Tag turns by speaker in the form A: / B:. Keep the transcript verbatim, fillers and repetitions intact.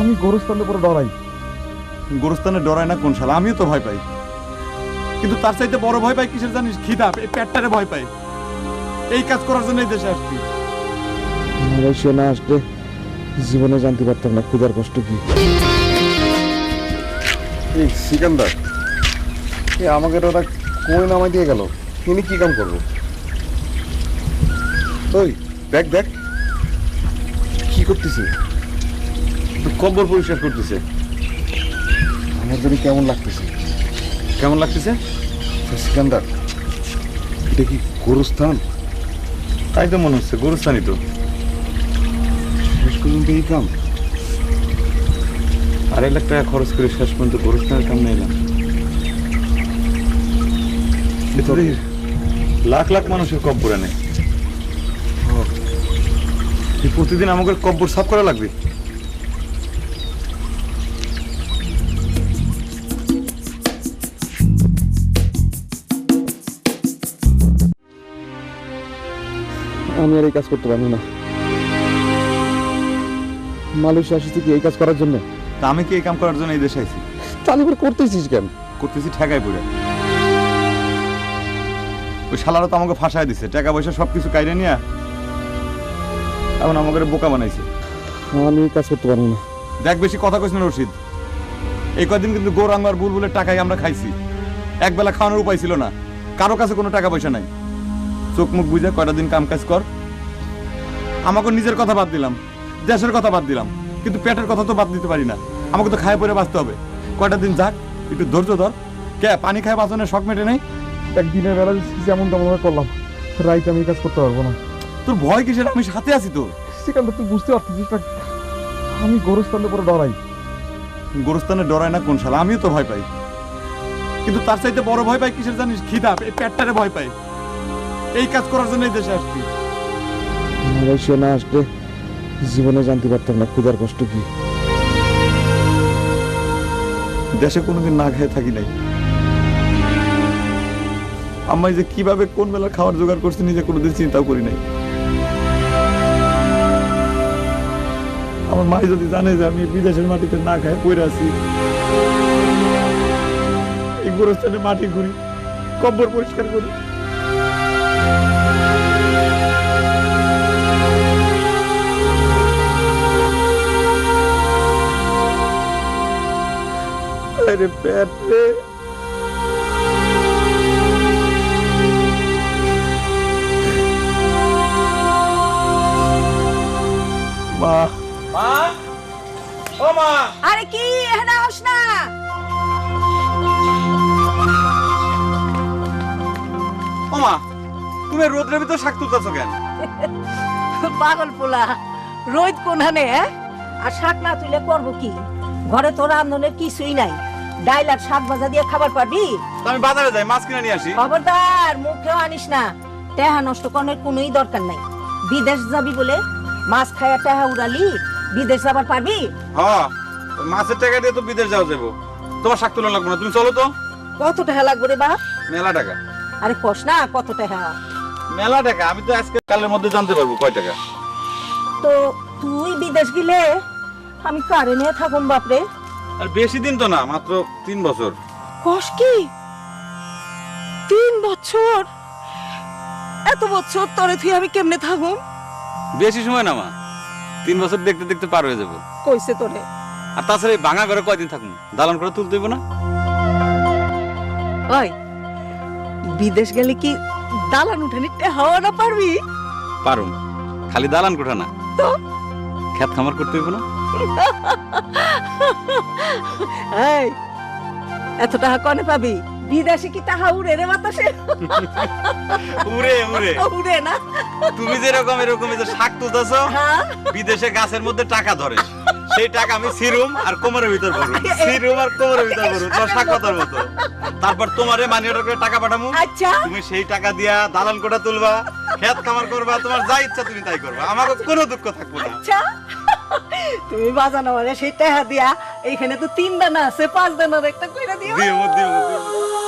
A: আমি গোরস্থানের উপরে ডরাই।
B: গোরস্থানে ডরায় না কোন শালা? আমিও তো ভয় পাই, কিন্তু তার চাইতে বড় ভয় পাই কিসের জানিস? খিদা, এই পেটটারে ভয় পাই। এই কাজ করার জন্য এই দেশে আসছি।
A: সে না আসলে জীবনে জানতে পারতাম না ক্ষুধার কষ্ট কি।
C: এই সিকান্দার, এ আমাকে ওরা কই নামাই দিয়ে গেল, তিনি কি কাম করবো? ওই দেখ দেখ কি করতেছে,
B: কব্বর পরিষ্কার করতেছে।
C: আমার জন্য কেমন লাগতেছে?
B: কেমন লাগতেছে?
C: সিকান্দার, এটা কি গোরস্থান?
B: তাই তো মনে হচ্ছে, গোরস্থানই তো।
C: শেষ পর্যন্ত এই কাম?
B: আড়াই লাখ টাকা খরচ করে শেষ পর্যন্ত গোরস্থানের কাম নিলাম। লাখ লাখ মানুষের কব্বর আনে, প্রতিদিন আমাকে কব্বর সাফ করা লাগবে।
A: আমি আর এই কাজ করতে পারবো না। মালয়েশিয়া আসছি কি এই কাজ করার জন্য?
B: তা আমি কি এই কাম করার জন্য এই দেশে আইছি?
A: তাহলে করে করতেছিস কেন?
B: করতেছি ঠেকাই পড়ে। ওই শালারা তো আমাকে ফাঁসায় দিছে, টাকা পয়সা সবকিছু কাইরে নিয়ে এখন আমাকে বোকা বানাইছে।
A: আমি এই কাজ করতে পারবো না।
B: দেখ, বেশি কথা কইস না রশিদ। এই কয়দিন কিন্তু গৌরাঙ্গ আর বুলবুলের টাকাই আমরা খাইছি। একবেলা খাওয়ানোর উপায় ছিল না, কারো কাছে কোনো টাকা পয়সা নাই। চোখ মুখ বুঝে কয়টা দিন কাম কাজ কর। আমাকে নিজের কথা বাদ দিলাম, দেশের কথা বাদ দিলাম, কিন্তু পেটের কথা তো বাদ দিতে পারি না। আমাকে তো খায় পরে বাঁচতে হবে। কয়টা দিন যাক, একটু ধৈর্য ধর। কে পানি খায় বাঁচনের শখ মেটে নেই?
A: একদিনের বেলা যেমন তেমন করলাম, রাইতে আমি এই কাজ করতে পারবো না।
B: তোর ভয় কিসের? আমি সাথে আছি তো।
A: সেখানে তুই বুঝতে পারছিস না, আমি গোরস্থানের উপরে ডরাই।
B: গোরস্থানে ডরায় না কোন শালা? আমিও তো ভয় পাই, কিন্তু তার চাইতে বড় ভয় পাই কিসের জানিস? খিদা, এই পেটটারে ভয় পাই। এই কাজ করার জন্য এই দেশে আসছি।
A: মালয়েশিয়া না আসলে জীবনে জানতে পারতাম না ক্ষুধার কষ্ট কি।
B: দেশে কোনোদিন না খেয়ে থাকি নাই। আমি যে কিভাবে কোন বেলা খাবার জোগাড় করছি নিজে কোনোদিন চিন্তাও করি নাই। আমার মা যদি জানে যে আমি বিদেশের মাটিতে না খাই পড়ে আছি, এই গোরস্থানে মাটি ঘুরি, কব্বর পরিষ্কার করি, আরে পেট রে। মা,
D: মা, ও মা,
E: আরে কি এখানে আস না?
B: ও মা, তুমি রোদ্রের ভিতর শাক তুলতেছো কেন?
E: পাগল পোলা, রোদ কোনখানে? আর শাক না তুলে করবো কি? ঘরে তো রান্ধনের কিছুই নাই। ডাইল আর শাক ভাজা দিয়ে খাবার পারবি?
B: তো আমি বাজারে যাই, মাছ কিনে নিয়ে আসি।
E: খবরদার মুখেও আনিস না। টেহা নষ্ট করার কোনোই দরকার নাই। বিদেশ যাবি বলে মাছ খায়া টেহা উড়ালি, বিদেশ যাবার পারবি?
B: হ্যাঁ, মাছের টাকা দিয়ে তো বিদেশ যাওয়া যাবো। তোমার শাক তোলা লাগবে না, তুমি চলো তো।
E: কত টাকা লাগবে রে বাপ?
B: মেলা টাকা।
E: আরে কস না কত টাকা?
B: মেলা টাকা, আমি তো আজকে কালের মধ্যে জানতে পারবো কয় টাকা।
E: তো তুই বিদেশ গেলে আমি কারে নিয়ে থাকুম বাপরে?
B: আর বেশি দিন তো না, মাত্র তিন বছর।
E: কস কি? তিন বছর? এত বছর তোরে তুই আমি কেমনে থাকুম?
F: বেশি সময় না মা, তিন বছর দেখতে দেখতে পার হয়ে যাবো।
E: কইছে তোরে?
F: আর তাছাড়া এই ভাঙা ঘরে কয়দিন থাকুন, দালান করে তুলতে হইব না?
E: ওই বিদেশ গেলে কি দালান উঠানি হাওয়া না পারবি?
F: পারুম, খালি দালান কোঠা না,
E: তো
F: খেত খামার করতে হইব না?
E: এই এত টাকা কনে পাবি? বিদেশে কি টাকা উড়ে রে বাতাসে?
F: উড়ে উড়ে
E: উড়ে না?
F: তুমি যেরকম এরকম এই যে শাক তুলতেছো,
E: হ্যাঁ
F: বিদেশে গাছের মধ্যে টাকা ধরে, সেই টাকা আমি সিরুম আর কোমরের ভিতর ভরুম, সিরুম আর কোমরের ভিতর ভরুম, তোমার শাক পাতার মতো। তারপর তোমারে মানি অর্ডার করে টাকা পাঠামু,
E: আচ্ছা
F: তুমি সেই টাকা দিয়া দালান কোঠা তুলবা, খেত খামার করবা, তোমার যা ইচ্ছা তুমি তাই করবা, আমার কোনো দুঃখ থাকবো না।
E: আচ্ছা তুমি বাজানো মানে সেই টাকা দিয়া এইখানে তো তিন দানা আছে, পাঁচ দানার একটা কইরা দিও।
F: দিও দিও দিও।